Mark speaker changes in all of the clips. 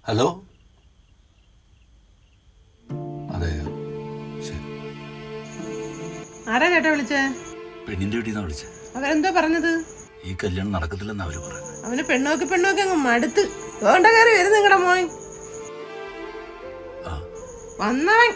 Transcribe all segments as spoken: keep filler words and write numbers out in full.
Speaker 1: Hello, അതെയോ? ശരി.
Speaker 2: ആരാ ചേട്ടാ വിളിച്ചേ?
Speaker 1: പെണ്ണിന്റെ വീട്ടിൽ നിന്നാ വിളിച്ചത്.
Speaker 2: അവരെന്തോ പറഞ്ഞത്?
Speaker 1: ഈ കല്യാണം നടക്കത്തില്ലെന്ന് അവര് പറയുന്നത്.
Speaker 2: അവന് പെണ്ണോക്കി പെണ്ണോക്കി അങ്ങ് മടുത്ത് വേണ്ട കയറി വരുന്നു നിങ്ങടെ മോൻ. വന്നവൻ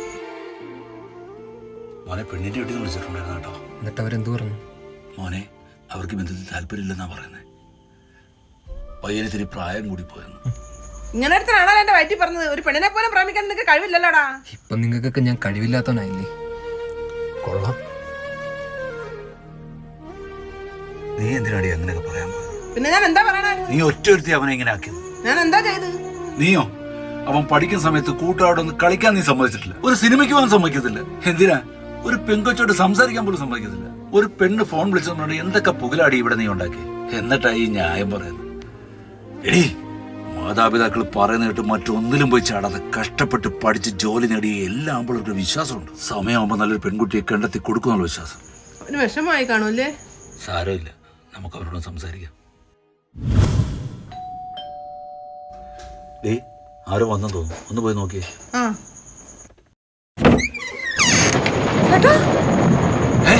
Speaker 1: മോനെ പെണ്ണിന്റെ വീട്ടിൽ നിന്ന് വിളിച്ചിട്ടുണ്ടായിരുന്നു കേട്ടോ.
Speaker 3: എന്നിട്ട് അവരെന്തു പറഞ്ഞു?
Speaker 1: മോനെ അവർക്ക് ബന്ധത്തിൽ താല്പര്യമില്ലെന്നാ പറയുന്നത്. പയ്യന് ഇത്തിരി പ്രായം കൂടി പോയെന്ന്.
Speaker 2: ഇങ്ങനെ അടുത്താണോ എന്റെ വയറ്റി പറഞ്ഞത്? ഒരു പെണ്ണിനെ പോലും പ്രേമിക്കാൻ നിനക്ക് കഴിവില്ലല്ലോടാ.
Speaker 3: ഇപ്പൊ നിങ്ങൾക്കൊക്കെ ഞാൻ കഴിവില്ലാത്തവനായില്ലേ? കൊള്ളാം.
Speaker 1: നീ എന്തിനാടി അങ്ങനെയൊക്കെ പറയാൻ പോയത്?
Speaker 2: പിന്നെ ഞാൻ എന്താ പറയണേ?
Speaker 1: നീ ഒറ്റ ഒരുത്തി അവനെ ഇങ്ങനെ ആക്കിയത്.
Speaker 2: ഞാൻ എന്താ ചെയ്ത്?
Speaker 1: നീയോ? അവൻ പഠിക്കുന്ന സമയത്ത് കൂട്ടുകാരോടൊന്ന് കളിക്കാൻ നീ സമ്മതിച്ചിട്ടില്ല. ഒരു സിനിമയ്ക്ക് പോകാൻ സമ്മതിക്കത്തില്ല. എന്തിനാ? ഒരു പെങ്കൊച്ചോട് സംസാരിക്കാൻ പോലും സമ്മതിക്കത്തില്ല. ഒരു പെണ്ണ് ഫോൺ വിളിച്ചതുകൊണ്ട് എന്തൊക്കെ പുകലാടി ഇവിടെ നീ ഉണ്ടാക്കി. എന്നിട്ടായി ഈ ന്യായം പറയുന്നത്. എടീ, മാതാപിതാക്കൾ പറയുന്ന കേട്ട് മറ്റൊന്നിലും പോയി ചാടാതെ കഷ്ടപ്പെട്ട് പഠിച്ച് ജോലി നേടിയ എല്ലാ ആമ്പിളൊരു വിശ്വാസമുണ്ട്. സമയമാകുമ്പോൾ നല്ലൊരു പെൺകുട്ടിയെ കണ്ടെത്തി കൊടുക്കുന്നുള്ള വിശ്വാസം.
Speaker 2: ഒരു വിഷമമായി കാണൂല്ലേ?
Speaker 1: സാരമില്ല, നമുക്ക് അവരോട് സംസാരിക്കാം. ഡേ, ആരോ വന്നെന്ന് തോന്നുന്നു. ഒന്ന് പോയി നോക്കിയേ.
Speaker 2: ആ ചേട്ടാ,
Speaker 1: ഏ?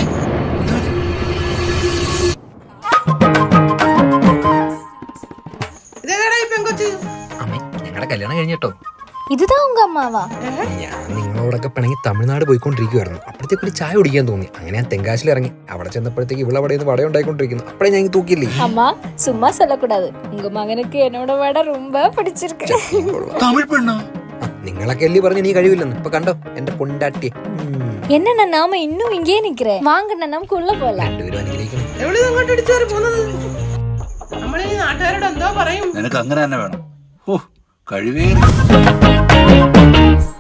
Speaker 2: ഇതേതാടാ ഈ പെങ്കൊച്ച്?
Speaker 3: അമ്മേ, ഞങ്ങളുടെ കല്യാണം കഴിഞ്ഞിട്ടോ.
Speaker 4: ഇതാ ഉങ്ക അമ്മാവാ.
Speaker 3: ഞാൻ നിങ്ങളോടൊക്കെ പിണങ്ങി തമിഴ്നാട് പോയിക്കൊണ്ടിരിക്കുവായിരുന്നു. അപ്പോഴത്തേക്ക് ഒരു ചായ കുടിക്കാൻ തോന്നി. അങ്ങനെ ഞാൻ തെങ്കാശിൽ ഇറങ്ങി. അവിടെ ചെന്നപ്പോഴത്തേക്ക് ഇവിടെ അവിടെ നിന്ന് വട ഉണ്ടായിക്കൊണ്ടിരിക്കുന്നു. അപ്പഴേ ഞാൻ തൂക്കിയില്ലേ.
Speaker 4: அம்மா சும்மா சொல்லக்கூடாது. உங்க மகனுக்கு என்னோட வடை ரொம்ப பிடிச்சிருக்கு.
Speaker 1: തമിഴ് പെണ്ണോ?
Speaker 3: നിങ്ങളൊക്കെ അല്ലേ പറഞ്ഞ് നീ കഴിവില്ലെന്ന്. ഇപ്പൊ കണ്ടോ എന്റെ പൊണ്ടാട്ടി.
Speaker 4: என்னண்ணா நாம இன்னுം இங்கே நிக்கிறேன். வாங்கண்ணா നമുക്ക് ഉള്ള പോലെ.
Speaker 3: രണ്ടുപേരും അനുഗ്രഹിക്കണം.
Speaker 2: എവിടെ അങ്ങോട്ട് ഇടിച്ചു കയറി പോകുന്നത്? നമ്മളിനി നാട്ടുകാരോട് എന്തോ പറയും.
Speaker 1: നിനക്ക് അങ്ങനെ തന്നെ വേണം. ഓ, കഴിവേ